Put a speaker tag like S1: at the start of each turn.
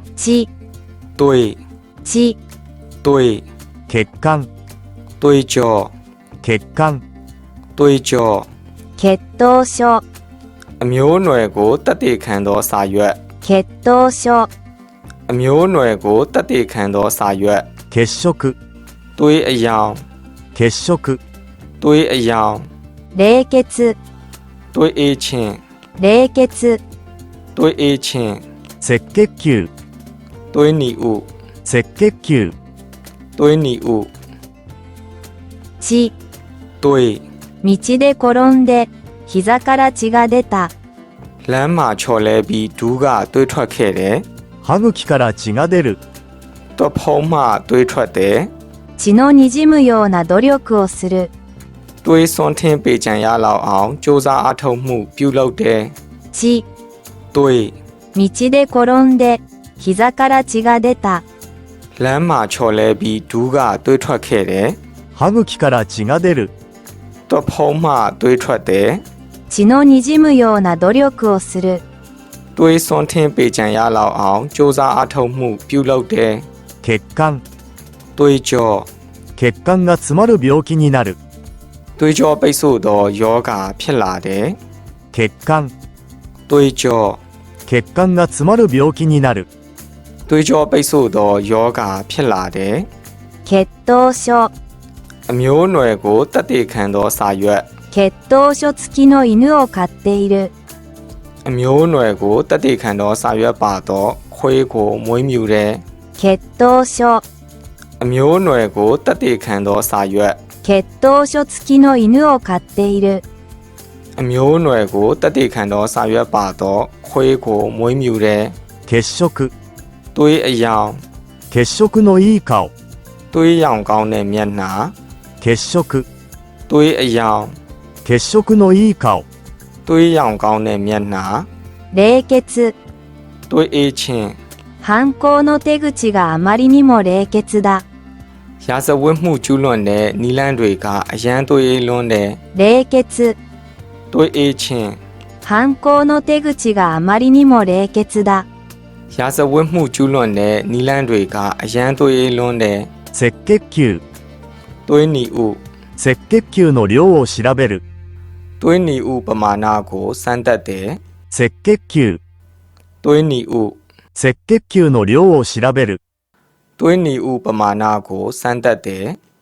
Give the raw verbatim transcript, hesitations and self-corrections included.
S1: 血、
S2: 对、
S1: 血、
S2: 对、
S3: 血管、
S2: 对焦、
S3: 血管、
S2: 对焦。
S1: 血糖症、
S2: အမျိုးအနွယ်ကိုတတ်သိခံသောစာရွက်。
S1: 血糖症、
S2: အမျိုးအနွယ်ကိုတတ်သိခံသောစာရွက်。
S3: 血色、
S2: သွေးအယောင်。
S3: 血色、
S2: သွေးအယောင်。
S1: 冷血、
S2: သွေးအေးခြင်း。
S1: 冷血、
S2: သွေးအေးခြင်း。
S3: 赤血球、
S2: သွေးနီဥ。
S3: 赤血球、
S2: သွေးနီဥ。
S1: 血、
S2: သွေး。
S1: 道で転んで膝から血が出た。
S2: လမ်းမှာချော်လဲပြီးဒူးကသွေးထွက်ခဲ့တယ်。
S3: 歯茎から血が出る。
S2: သွက်ဖုံးမှသွေးထွက်တယ်。
S1: 血の滲むような努力をする。
S2: သွေးစွန်းထင်းပေကြံရလောက်အောင်စ조사အားထုတ်မှုပြုလုပ်တယ်。
S1: 血、
S2: သွေး。
S1: 道で転んで膝から血が出た。
S2: လမ်းမှာချော်လဲပြီးဒူးကသွေးထွက်ခဲ့တယ်。
S3: 歯茎から血が出る。
S2: သွက်ဖုံးမှသွေးထွက်တယ်。
S1: 血の滲むような努力をする。
S2: သွေးစွန်းထင်းပေကြံရလောက်အောင်စ조사အားထုတ်မှုပြုလုပ်တယ်。
S3: 血管、
S2: သွေးကြော。
S3: 血管が詰まる病気になる。
S2: သွေးကြောပိတ်ဆို့သောယောဂဖြစ်လာတယ်。
S3: 血管、
S2: သွေးကြော。
S3: 血管が詰まる病気になる。
S2: သွေးကြောပိတ်ဆို့သောယောဂဖြစ်လာတယ်。
S1: 血糖症、
S2: အမျိုးအနွယ်ကိုတတ်သိခံသောစာရွက်。
S1: 血糖症付きの犬を飼っている。
S2: အမျိုးအနွယ်ကိုတတ်သိခံသောစာရွက်ပါသောခွေးကိုမွေးမြူတယ်。
S1: 血糖症、
S2: အမျိုးအနွယ်ကိုတတ်သိခံသောစာရွက်。
S1: 血糖症付きの犬を飼っている。
S2: အမျိုးအနွယ်ကိုတတ်သိခံသောစာရွက်ပါသောခွေးကိုမွေးမြူတယ်。
S3: 血色、
S2: သွေးအယောင်。
S3: 血色のいい顔。
S2: သွေးရောင်ကောင်းတဲ့မျက်နှာ。
S3: 血色、
S2: သွေးအယောင်。
S3: 血色のいい顔。
S2: သွေးရောင်ကောင်းတဲ့မျက်နှာ。
S1: 冷血、
S2: သွေးအေးခြင်း。
S1: 犯行の手口があまりにも冷血だ。
S2: ရာဇဝတ်မှုကျူးလွန်တဲ့နီလန်းတွေကအရန်သွေးအေးလွန်းတယ်。
S1: 冷血、
S2: သွေးအေးခြင်း。
S1: 犯行の手口があまりにも冷血だ。
S2: ရာဇဝတ်မှုကျူးလွန်တဲ့နီလန်းတွေကအရန်သွေးအေးလွန်းတယ်。
S3: 赤血球、
S2: သွေးနီဥ。
S3: 赤血球の量を調べる。
S2: သွေးနီဥပမာဏကိုစမ်းသပ်တယ်。
S3: 赤血球、
S2: သွေးနီဥ。
S3: 赤血球の量を調べる。
S2: သွေးနီဥပမာဏကိုစမ်းသပ်တယ်။